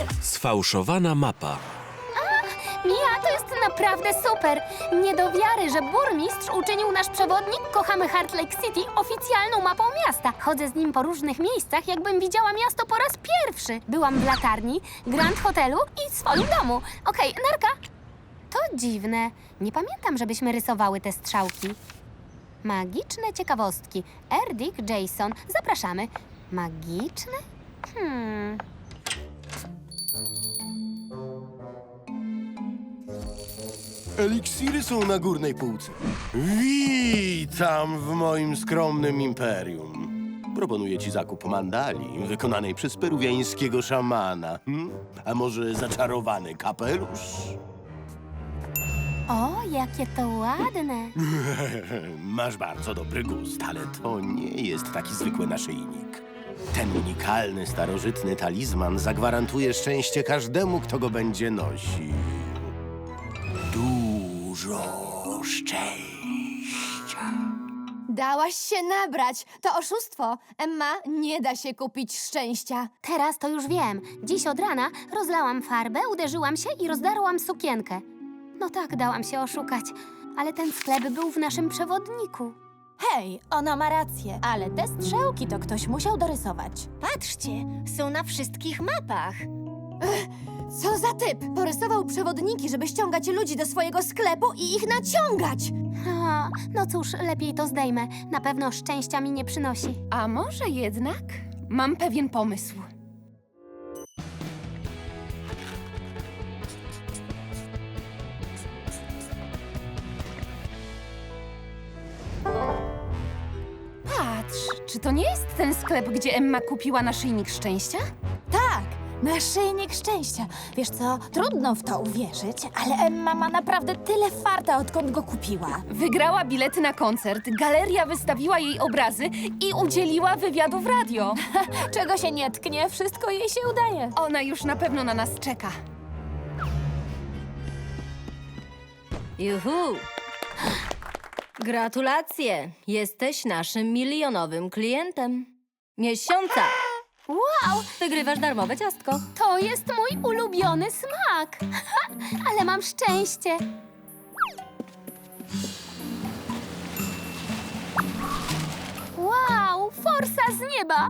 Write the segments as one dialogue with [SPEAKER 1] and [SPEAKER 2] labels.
[SPEAKER 1] Sfałszowana mapa.
[SPEAKER 2] Mia, to jest naprawdę super! Nie do wiary, że burmistrz uczynił nasz przewodnik Kochamy Heart Lake City oficjalną mapą miasta. Chodzę z nim po różnych miejscach, jakbym widziała miasto po raz pierwszy. Byłam w latarni, Grand Hotelu i swoim domu. Okej, narka. To dziwne. Nie pamiętam, żebyśmy rysowały te strzałki. Magiczne ciekawostki. Dick Jason. Zapraszamy. Magiczne?
[SPEAKER 3] Eliksiry są na górnej półce. Witam w moim skromnym imperium. Proponuję ci zakup mandali wykonanej przez peruwiańskiego szamana. A może zaczarowany kapelusz?
[SPEAKER 2] O, jakie to ładne.
[SPEAKER 3] Masz bardzo dobry gust, ale to nie jest taki zwykły naszyjnik. Ten unikalny, starożytny talizman zagwarantuje szczęście każdemu, kto go będzie nosił. Dużo szczęścia.
[SPEAKER 4] Dałaś się nabrać. To oszustwo. Emma, nie da się kupić szczęścia.
[SPEAKER 2] Teraz to już wiem. Dziś od rana rozlałam farbę, uderzyłam się i rozdarłam sukienkę. No tak, dałam się oszukać. Ale ten sklep był w naszym przewodniku.
[SPEAKER 5] Hej, ona ma rację, ale te strzałki to ktoś musiał dorysować.
[SPEAKER 6] Patrzcie, są na wszystkich mapach.
[SPEAKER 4] Co za typ? Porysował przewodniki, żeby ściągać ludzi do swojego sklepu i ich naciągać.
[SPEAKER 2] No cóż, lepiej to zdejmę. Na pewno szczęścia mi nie przynosi.
[SPEAKER 7] A może jednak? Mam pewien pomysł. Patrz, czy to nie jest ten sklep, gdzie Emma kupiła naszyjnik szczęścia?
[SPEAKER 5] Tak, naszyjnik szczęścia. Wiesz co, trudno w to uwierzyć, ale Emma ma naprawdę tyle farta, odkąd go kupiła.
[SPEAKER 7] Wygrała bilety na koncert, galeria wystawiła jej obrazy i udzieliła wywiadu w radio.
[SPEAKER 5] Czego się nie tknie, wszystko jej się udaje.
[SPEAKER 7] Ona już na pewno na nas czeka.
[SPEAKER 6] Juhu! Gratulacje! Jesteś naszym milionowym klientem. Miesiąca!
[SPEAKER 2] Wow,
[SPEAKER 6] Wygrywasz darmowe ciastko.
[SPEAKER 2] to jest mój ulubiony smak. Ale mam szczęście. Wow, forsa z nieba.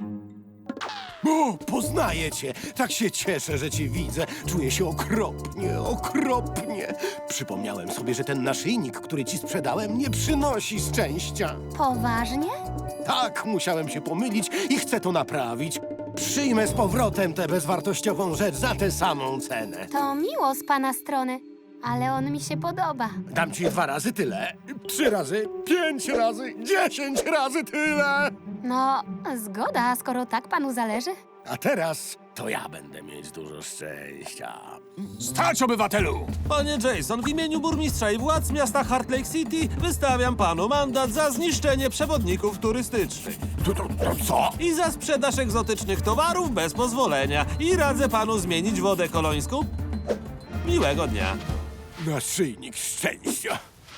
[SPEAKER 3] O, poznaję cię. Tak się cieszę, że cię widzę. Czuję się okropnie, okropnie. Przypomniałem sobie, że ten naszyjnik, który ci sprzedałem, nie przynosi szczęścia.
[SPEAKER 2] Poważnie?
[SPEAKER 3] Tak, musiałem się pomylić i chcę to naprawić. Przyjmę z powrotem tę bezwartościową rzecz za tę samą cenę.
[SPEAKER 2] To miło z pana strony, ale on mi się podoba.
[SPEAKER 3] Dam ci 2 razy tyle, 3 razy, 5 razy, 10 razy tyle.
[SPEAKER 2] No, zgoda, skoro tak panu zależy.
[SPEAKER 3] A teraz to ja będę mieć dużo szczęścia.
[SPEAKER 8] Stać, obywatelu!
[SPEAKER 1] Panie Jason, w imieniu burmistrza i władz miasta Heart Lake City wystawiam panu mandat za zniszczenie przewodników turystycznych
[SPEAKER 8] To co?
[SPEAKER 1] i za sprzedaż egzotycznych towarów bez pozwolenia. I radzę panu zmienić wodę kolońską. Miłego dnia.
[SPEAKER 3] Naszyjnik szczęścia.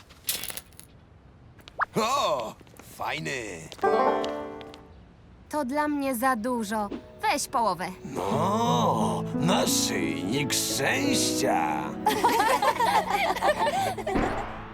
[SPEAKER 8] O, fajny.
[SPEAKER 2] To dla mnie za dużo. Weź połowę.
[SPEAKER 8] O, naszyjnik szczęścia.